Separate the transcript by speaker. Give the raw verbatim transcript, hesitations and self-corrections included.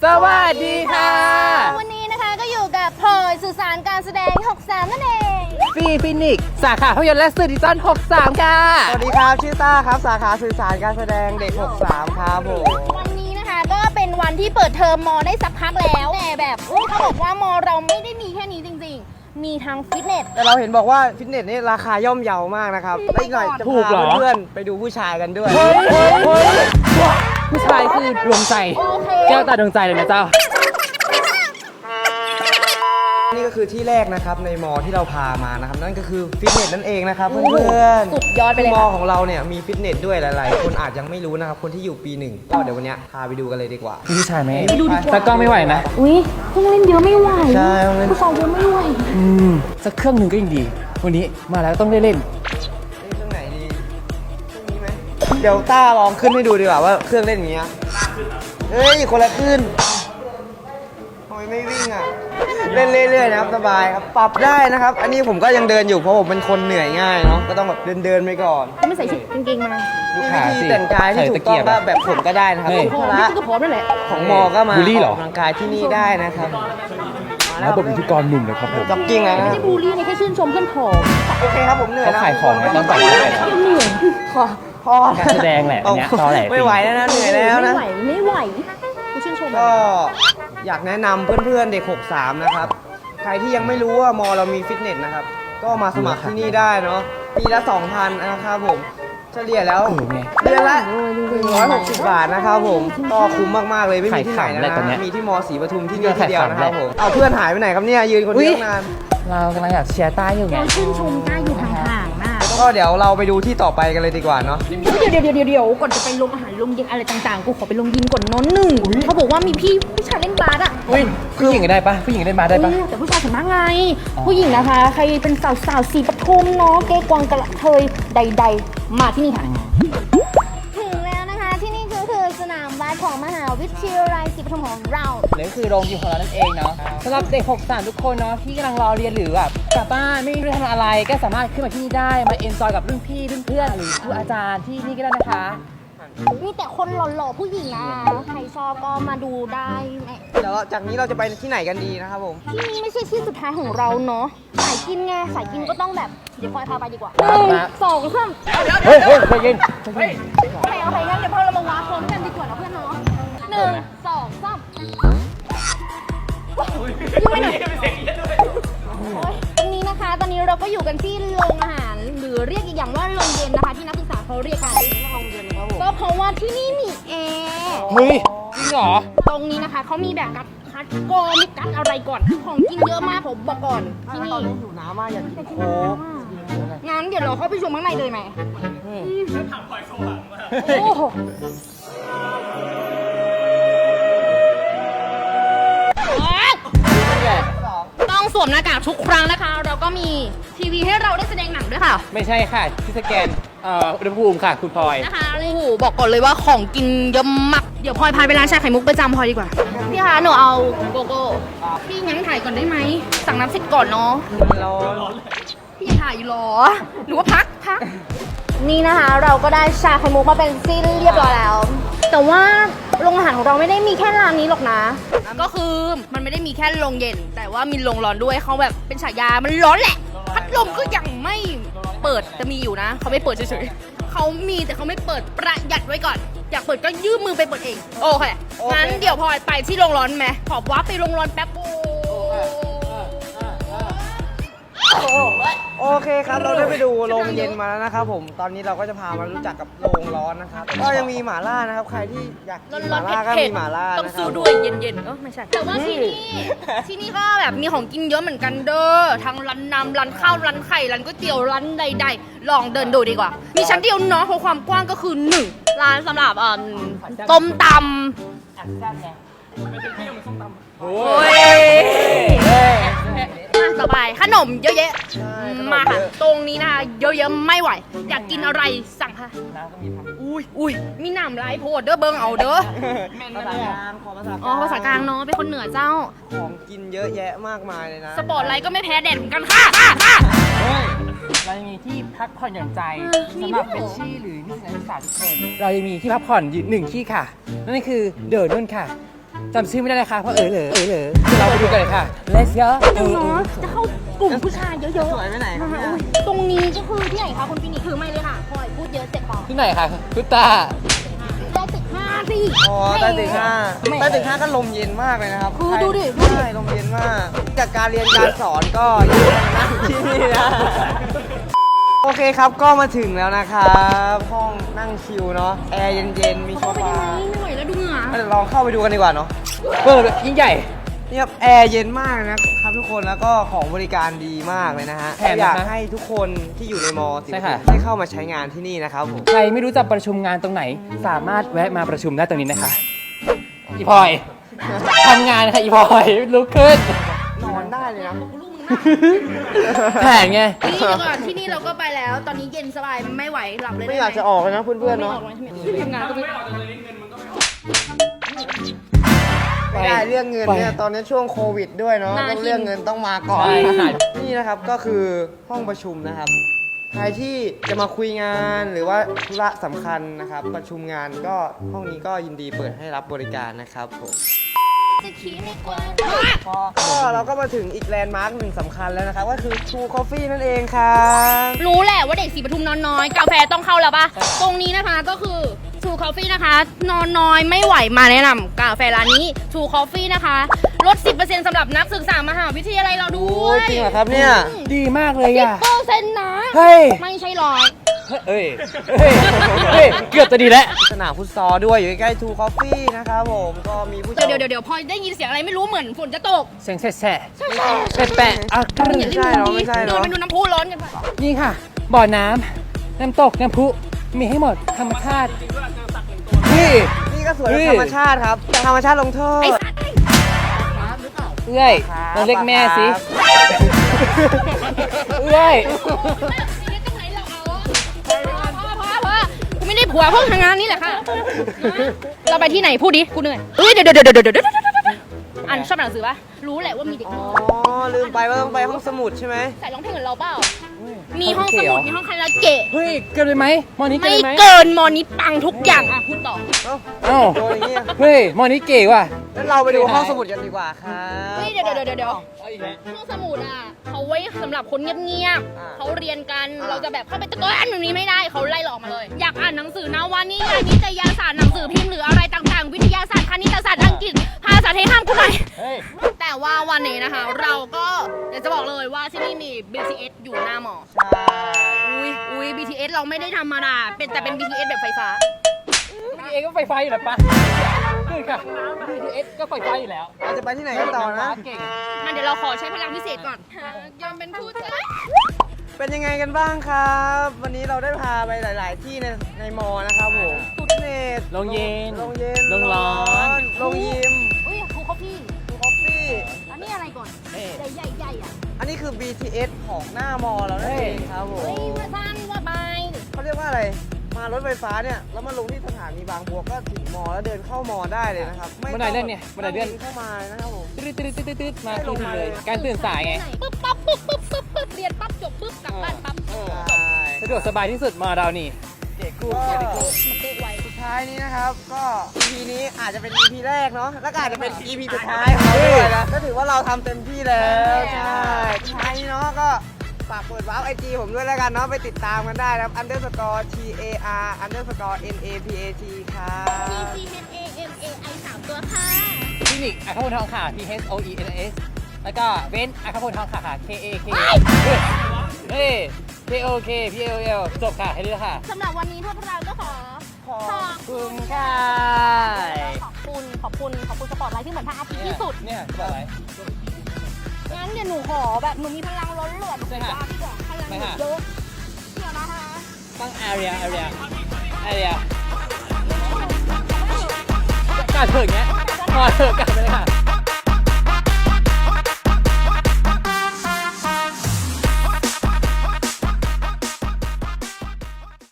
Speaker 1: สวัสดีค่ะ
Speaker 2: วันนี้นะคะก็อยู่กับพลอยสื่อสารการแสดงหกสามนั่นเอง
Speaker 1: ฟีฟินิกสาขาภาพยนตร์และสื่อดิจิตอลหกสามค่ะ
Speaker 3: สวัสดีครับชื่อต้าครับสาขาสื่อสารการแสดงเด็กหกสามครับผม
Speaker 2: วันนี้นะคะก็เป็นวันที่เปิดเทอมมอได้สักพักแล้วแต่แบบเขาบอกว่ามอเราไม่ได้มีแค่นี้จริงๆมีทั้งฟิตเนส
Speaker 3: แต่เราเห็นบอกว่าฟิตเนสนี่ราคาย่อมเยาวมากนะครับและอีกหน่อยจะพาเพื่อนๆไปดูผู้ชายกันด้วย
Speaker 1: เฮ้ยเฮ้ยเฮ้ยผู้ชายคือดวงใจแก้วตาดวงใจเลยนะเจ้า
Speaker 3: นี่ก็คือที่แรกนะครับในมอที่เราพามานะครับนั่นก็คือฟิตเนสนั่นเองนะครับเพื่อนๆ
Speaker 2: สุดยอดไปเลย
Speaker 3: มอของเราเนี่ยมีฟิตเนสด้วยหลายๆคนอาจยังไม่รู้นะครับคนที่อยู่ปีหนึ่งก็เดี๋ยววันนี้พาไปดูกันเลยดีกว่า
Speaker 1: ผู้ชายไหมไปดูดีกว่าแต่กล้องไม่ไหวนะ
Speaker 2: อุ้ยเครื่องเล่นเยอะไม่ไหว
Speaker 3: ใช่
Speaker 2: ผู้ชายเยอะไม่ไหว
Speaker 1: อืมสักเครื่องหนึ่งก็ยังดีวันนี้มาแล้วต้องได้เล่น
Speaker 3: เครื่องไหนดีเครื่องนี้ไหมเดี๋ยวต้าลองขึ้นให้ดูดีกว่าว่าเครื่องเล่นอย่างเงี้ยเฮ้ยคนละขึ้นทำไมไม่วิ่งอ่ะเล่นเรื่อยๆนะครับสบายครับปรับได้นะครับอันนี้ผมก็ยังเดินอยู่เพราะผมเป็นคนเหนื่อยง่ายเนาะก็ต้องแบบเดินๆไปก่อน
Speaker 2: ไม่ใส่ชุดกางเกงมา
Speaker 3: วิธีแต่งกายที่ถูกต้องก็แบบผมก็ได้นะครับ
Speaker 2: พละก็พร้อมนั่นแหละ
Speaker 3: ของมอก็มาออกกำลังกายที่นี่ได้นะครับ
Speaker 1: แล้วผมเป็นพิธีกรหนุ่มเลยครับผม
Speaker 3: จ็อกกิ้งนะ
Speaker 2: ไม่ใช่บูลลี่นะแค่ชื่นชมเพื่อนผอม
Speaker 3: โอเคครับผมเหนื่อย
Speaker 1: เขาขายของไม่ต้องใส่
Speaker 2: เหนื่อย
Speaker 3: พอพอ
Speaker 1: การแสดงแหละเนี่ยตอแหล
Speaker 3: ไม่ไหวแล้วนะเหนื่อยแล้วนะ
Speaker 2: ไม่ไหวไม่ไหวกูชื่นชม
Speaker 3: ก็อยากแนะนำเพื่อนๆเด็กหกสามนะครับใครที่ยังไม่รู้ว่ามอเรามีฟิตเนสนะครับก็มาสมัครที่นี่ได้เนาะปีละ สองพัน นะครับผมเฉลี่ยแล้วเดือนละหนึ่งร้อยหกสิบบาทนะครับผมก็คุ้มมากๆเลยไม่มีที่ไหนนะมีที่มอศรีปทุมที่นี่ที่เดียวนะครับผมเอาเพื่อนหายไปไหนครับเนี่ยยืนคนเดียวนาน
Speaker 1: เรากำลังอยากเชียร์ต้าอยู่ไง
Speaker 2: เราชื่นชมต้าอยู่ห่างๆนะ
Speaker 3: ก็เดี๋ยวเราไปดูที่ต่อไปกันเลยดีกว่าเนาะ
Speaker 2: เดี๋ยวเดี๋ยวเดี๋ยวเดี๋ยวก่อนจะไปลงอาหารลงเย็นอะไรต่างๆกูขอไปลงยิมก่อนน้อนหนึ่งเขาบอกว่ามีพี่ผู้ชายเล่นบาสอ่ะ
Speaker 1: อุ้ยผู้หญิงได้ปะผู้หญิงเล่นบาสได้ปะ
Speaker 2: แต่ผู้ชายส่วนมากไงผู้หญิงนะคะใครเป็นสาวสาวสีปทุมเนาะเก๊กวางกระเทยใดๆมาที่นี่ค่ะถึงแล้วนะคะที่นี่ก็คือสนามบาสของมหาวิทยาลัยศรีปทุมของเรา
Speaker 1: นี่คือโรงยิมของเรานั่นเองเนาะสำหรับเด็กหกสามทุกคนเนาะที่กำลังรอเรียนหรือแบบกลับบ้านไม่รู้จะทำอะไรก็สามารถขึ้นมาที่นี่ได้มาเอนจอยกับรุ่นพี่รุ่นเพื่อนหรือครูอาจารย์ที่นี่ก็ได้นะคะ
Speaker 2: มีแต่คนหล่อๆผู้หญิงนะใครชอบก็มาดูได้
Speaker 3: เดี๋ยวจากนี้เราจะไปที่ไหนกันดีนะครับผม
Speaker 2: ที่นี่ไม่ใช่ที่สุดท้ายของเราเนาะสายกินไงสายกินก็ต้องแบบเดี๋ยวพลอยพาไปดีกว่าหนึ่งสองสาม
Speaker 1: เฮ้ยเฮ้ยใจเย็น
Speaker 2: เฮ้ยโอเคโอเคงั้นเดี๋ยวพอเรามาวาพร้อมกันดีกว่านะเพื่อนเนาะหนึ่งสองสามยังไม่หน่อยตรงนี้นะคะตอนนี้เราก็อยู่กันที่โรงอาหารหรือเรียกอีกอย่างว่าโรงเย็นนะคะที่นักศึกษาเขาเรียกกันโรงเย็นครับผมก็เพราะว่าที่นี่มีแอร์
Speaker 1: เฮ้ยจริงเหรอ
Speaker 2: ตรงนี้นะคะเขามีแบบกัดคัดกรองมีกัดอะไรก่อนของกินเยอะมากผมบอกก่อนที่นี่
Speaker 3: อยู่น้ำมากอยากกินโค้ก
Speaker 2: งั้นเดี๋ยวเราเข้าไปชมข้างในเลยไหมถามพลอยโชว์หลังมาโอ้โหต้องสวมหน้ากากทุกครั้งนะคะเราก็มีทีวีให้เราได้แสดงหนังด้วยค่ะ
Speaker 1: ไม่ใช่ค่ะที่สแกนเอ่ออุณหภูมิค่ะคุณพลอย
Speaker 2: นะคะโอ้โหบอกก่อนเลยว่าของกินเยอะมากเดี๋ยวพลอยพาไปร้านชาไข่มุกประจำพลอยดีกว่าพี่คะหนูเอาโกโก้พี่งั้นถ่ายก่อนได้ไหมสั่งน้ำเสร็จก่อนเนาะ
Speaker 3: รอ
Speaker 2: พี่ถ่ายรอหรือว่าพักพักนี่นะคะเราก็ได้ชาไข่มุกมาเป็นสิ้นเรียบร้อยแล้วแต่ว่าโรงอาหารของเราไม่ได้มีแค่ร้านนี้หรอกนะก็คือมันไม่ได้มีแค่โรงเย็นแต่ว่ามีโรงร้อนด้วยเขาแบบเป็นฉายามันร้อนแหละพัดลมก็ยังไม่เปิดจะมีอยู่นะเขาไม่เปิดเฉยๆเขามีแต่เขาไม่เปิดประหยัดไว้ก่อนอยากเปิดก็ยื่นมือไปเปิดเองโอเคงั้นเดี๋ยวพลอยไปที่โรงร้อนไหมขอว้าไปโรงร้อนแป๊บ
Speaker 3: โอเคครับเราได้ไปดูโรงเย็นมาแล้วนะครับผมตอนนี้เราก็จะพามารู้จักกับโรงร้อนนะครับก็ยังมีหม่าล่านะครับใครที่อยากกินหม่าล่าก็มีหม่าล่า
Speaker 2: ต้องซื้อด้วยเย็นๆเออไม่ใช่แต่ว่าที่นี่ที่นี่ก็แบบมีของกินเยอะเหมือนกันเด้อทั้งร้านน้ำร้านข้าวร้านไข่ร้านก๋วยเตี๋ยวร้านใดๆลองเดินดูดีกว่ามีชั้นเดียวเนาะเพราะความกว้างก็คือหนึ่งร้านสำหรับอ่าต้มตำโอ้ยต่อไปขนมเยอะแยะมาค่ะตรงนี้นะคะเยอะๆไม่ไหวอยากกินอะไรสั่งค่ะน้ำก็มีครับอุ้ยอุ้ยมีน้ำลายโพดเด้อเบิ้งเอาเด้อ
Speaker 3: ภาษากลางขอภาษากลาง
Speaker 2: อ๋อภาษากลางเนาะเป็นคนเหนือเจ้า
Speaker 3: ของกินเยอะแยะมากมายเลยนะ
Speaker 2: สปอร์ตไลท์ก็ไม่แพ้แดดเหมือนกันค่ะ
Speaker 1: เรายังมีที่พักผ่อนหย่อนใจสำหรับเฟรชชี่หรือนิสิตนักศึกษาทุกคนเรายังมีที่พักผ่อนหนึ่งที่ค่ะนั่นคือเดอะนุ่นค่ะจำชื่อไม่ได้เลยค่ะเพราะเออเหลอเออเหลอเดี๋ยวเราไปดูกันเลยค่ะ Let's go เออ
Speaker 2: เนาะจะเข้ากลุ่มผู้ชายเยอะๆ
Speaker 3: สวยไปไหนครับเนี่ย
Speaker 2: ตรงนี้ก็คือที่ไหนคะคุณฟินิกซ์ถือไม่เลยค่ะพลอยพูดเยอะเจ็บคอ
Speaker 1: ที่ไหนคะคุณตา
Speaker 2: ได้ตึกห้าสิ
Speaker 3: อ๋อใต้ตึกห้าใต้ตึกห้าก็ลมเย็นมากเลยนะครับ
Speaker 2: คือดูดิ
Speaker 3: ใช่ลมเย็นมากจากการเรียนการสอนก็เย็นนะที่นี่นะโอเคครับก็มาถึงแล้วนะครับห้องนั่งชิลเนาะแอร์เย็นๆมีโซ
Speaker 2: เข้าไป
Speaker 3: ฟา
Speaker 2: ได้ไหมไม่ไหวแล้วดูเหงื่อ
Speaker 3: เดี๋ยวลองเข้าไปดูกันดีกว่าเนาะ
Speaker 1: เปิดยิ่งใหญ่
Speaker 3: นี่ครับแอร์เย็นมากนะครับทุกคนแล้วก็ของบริการดีมากเลยนะฮะ
Speaker 1: แถมนะคะ
Speaker 3: อยากให้ทุกคนที่อยู่ในมอ
Speaker 1: ใช่ค่ะ
Speaker 3: ได้เข้ามาใช้งานที่นี่นะครับผม
Speaker 1: ใครไม่รู้จะประชุมงานตรงไหน สามารถแวะมาประชุมได้ตรงนี้นะคะ อีพลอยทำงานค่ะอีพลอยลุกขึ้น
Speaker 3: นอนได้เลยนะ
Speaker 1: แผนไง
Speaker 2: นี่เดี๋ยวก่อนที่นี่เราก็ไปแล้ว ตอนนี้เย็นสบายไม่ไหวหลับเลย
Speaker 3: ไม่อยากจะออกเลยนะเพื่อนๆ
Speaker 2: ไม่อ
Speaker 3: เนาะ
Speaker 2: อกเลยใช่ไหมทำงานก็ไม่
Speaker 3: ไม่ได้เรื่องเงินเนี่ยตอนนี้ช่วงโควิดด้วยเนาะต้องเรื่องเงินต้องมาก่อน
Speaker 1: ใช่ค่ะ
Speaker 3: นี่นะครับก็คือห้องประชุมนะครับ ใครที่จะมาคุยงานหรือว่าธุระสำคัญนะครับ ประชุมงานก็ห้องนี้ก็ยินดีเปิดให้รับบริการนะครับผม
Speaker 2: จะขี้ไม่กว่า
Speaker 3: ก็เราก็มาถึงอีกแลนด์มาร์คหนึ่งสำคัญแล้วนะครับ ก็คือ True Coffee นั่นเองครับ
Speaker 2: รู้แหละว่าเด็กสีปทุมนอนน้อย กาแฟต้องเข้าแล้วปะตรงนี้นะคะก็คือ True Coffee นะคะ นอนน้อยไม่ไหวมาแนะนำกาแฟร้านนี้ True Coffee นะคะลด สิบเปอร์เซ็นต์ สำหรับนักศึกษามหาวิทยาลัยเราด้
Speaker 3: โอ้
Speaker 2: วย
Speaker 3: จริงเหรอครับเนี่ย
Speaker 1: ดีมากเลย
Speaker 2: สิบ
Speaker 1: อ่ะ
Speaker 2: เปอร์เซ็นต์นะ
Speaker 1: เฮ้ย
Speaker 2: ไม่ใช่ร้อย
Speaker 1: เอ้ยเฮ้ยเฮ้ยเกือบจะดีแล้ว
Speaker 3: สนามฟุตซอลด้วยอยู่ใกล้ๆ True Coffee นะครับผมก็มีผู้ชม
Speaker 2: เดี๋ยวเดี๋ยวเดี๋ยวพอได้ยินเสียงอะไรไม่รู้เหมือนฝนจะตก
Speaker 1: เสียงแฉะแปะแปะๆอ่ะ
Speaker 3: ไม่ใช่เนาะไม่ใช่เนอะ
Speaker 2: เดินไปดูน้ำพุร้อนกันไป
Speaker 1: นี่ค่ะ บ่อน้ำน้ำตก น้ำพุ มีให้หมด ธรรมชาติ นี่
Speaker 3: นี่ก็สวย
Speaker 1: เฮ้ย
Speaker 3: ธรรมชาติครับธรรมชาติลงโทษ
Speaker 2: ไอ้สัตว์
Speaker 1: เอื้อยลองเรียกแม่สิ เอื้อย
Speaker 2: กูไม่ได้ผัวเพิ่งทำงานนี่แหละค่ะ เราไปที่ไหนพูดดิ กูเหนื่อยเอ้ยเดี๋ยวเดี๋ยวเดี๋ยวเดี๋ยวเดี๋ยวอ่านชอบอ่านหนังสือปะรู้แหละว่ามีเด็ก
Speaker 3: อ๋
Speaker 2: น้
Speaker 3: อ
Speaker 2: อย
Speaker 3: ลืมไปว่าต้องไปห้องสมุดใช่ไหม
Speaker 2: ใส่ร้องเพลงเหมือนเราเปล่า มีห้องสมุด มีห้องคาราโอเกะ
Speaker 1: เฮ้ย เกินไปไหมมอนี้เกิน
Speaker 2: ไม่
Speaker 1: ไปไหม
Speaker 2: เกินมอนี้ปังทุกอย่างอ่ะพูดต่อ
Speaker 3: เอ้า
Speaker 1: เอ้า
Speaker 3: โดนอย่างเงี้ย
Speaker 1: เฮ้ยมอนี้เก๋ว่ะ
Speaker 3: งั้นเราไปดูห้องสมุดกันดีกว่าครับ
Speaker 2: เฮ้ยเดี๋ยวเดี๋ยวเดี๋ยวเดี๋ยว
Speaker 1: เอาอีกแล้ว
Speaker 2: ห้องสมุดอ่ะเขาไว้สำหรับคนเงียบ
Speaker 3: อ่า
Speaker 2: ๆเขาเรียนกัน
Speaker 3: อ่า
Speaker 2: เราจะแบบเข้าไปตะโกนแบบนี้ไม่ได้เขาไล่เราออกมาเลย อยากอ่านหนังสือนะวันนี้นิตยสารหนังสือพิมพ์หรืออะไรต่างๆ วิทยาศาสตร์คณิตศาสตร์อังกฤษภาษาไทยห้ามกูหน่อย
Speaker 1: เฮ้ย
Speaker 2: แต่ว่าวันนี้นะคะ เราก็อยากจะบอกเลยว่าที่นี่มี บี ที เอส อยู่หน้าหมอ
Speaker 3: ใช่
Speaker 2: อุ้ยอุ้ย บี ที เอส เราไม่ได้ธรรมดาเป็นแต่เป็น บี ที เอส แบบไฟฟ้า
Speaker 1: บี ที เอส ก็ไฟฟ้าอยู่แล้วปะคือค่ะ บี ที เอส ก็ไฟฟ้าอยู่แล้ว
Speaker 3: เราจะไปที่ไหนกันต่อนะ
Speaker 1: เก่ง
Speaker 2: งั้นเดี๋ยวเราขอใช้พลังพิเศษก่อนยอมเป็นผู้ชาย
Speaker 3: เป็นยังไงกันบ้างครับ วันนี้เราได้พาไปหลาย ๆ ที่ในในมอนะครับผมฟิตเนส
Speaker 1: โรงเย็น
Speaker 3: โรงเย็น
Speaker 1: โรงร้อน
Speaker 3: โรงยิม
Speaker 2: อุ้ยครูเขาพี่
Speaker 3: คอฟฟี่
Speaker 2: อันนี้อะไรก่อน
Speaker 1: เอ๊ะ
Speaker 2: ใหญ่ใหญ่ๆอ่ะ
Speaker 3: อันนี้คือ บี ที เอส ของหน้ามอเรานั่นเองครับผม
Speaker 2: เฮ้ยมาสั้นว่าไป
Speaker 3: เขาเรียกว่าอะไร มารถไฟฟ้าเนี่ย แล้วมาลงที่สถานีบางบัวก็ถึงมอแล้วเดินเข้ามอได้เลยนะครับ
Speaker 1: บันไดเลื่อนเนี่ยบันไดเลื่อน
Speaker 3: เข้ามานะครับผม
Speaker 1: ตืดตืดตืดตืดตืดมาที่นี่เลย การตื่นสายไง
Speaker 2: ปึ๊บปั๊บปึ๊บปึ๊บปึ๊บปึ๊บเรียนปั๊บจบปึ๊บกลับบ้านปั๊บ
Speaker 1: เออ
Speaker 3: ใช่
Speaker 1: สะดวกสบายที่สุดมาเรานี่
Speaker 3: เด็กกู
Speaker 2: ก็
Speaker 3: เด็กกู
Speaker 2: มันเตะไว
Speaker 3: สุดท้ายนี้นะครับ ก็ อี พี นี้อาจจะเป็น อี พี แรกเนาะ แล้วก็อาจจะเป็น อี พี สุดท้ายของเราด้วยนะ ก็ถือว่าเราทำเต็มที่แล้ว ใช่สุดท้ายนี้เนาะก็ฝากเปิดวาร์ปไอจีผมด้วยแล้วกันเนาะ ไปติดตามกันได้นะครับ underscore t a r underscore n a p a t ครับ
Speaker 2: P C H A M A I สามตัวค่ะ
Speaker 1: คลินิกอัครพลทองขา P H O E N S แล้วก็เว้นอัครพลทองขาค่ะ K A K เฮ้ย K O K P A O L จบค่ะแค่นี้แล้วค่ะ
Speaker 2: สำหรับวันนี้พวกเราก็ขอ
Speaker 3: ขอบ
Speaker 2: ขอบ
Speaker 1: คุณค่ะ
Speaker 2: ขอบคุณ ขอบคุณ ขอบคุณสปอร์ตไลท์ที่เหมือนพระอาทิตย์ที่สุด
Speaker 1: เนี่ยบอกอะไร
Speaker 2: งั้นเดี๋ยวหนูขอแบบหนูมีพลังล้นเหลือ
Speaker 1: ใช่ค่ะ
Speaker 2: ว่าพี่บอกพลังหนูเยอะเดี๋ยวนะคะ
Speaker 1: ตั้ง area area area กาดเถิดเงี้ยพอเถอะกาดไปเลยค่ะ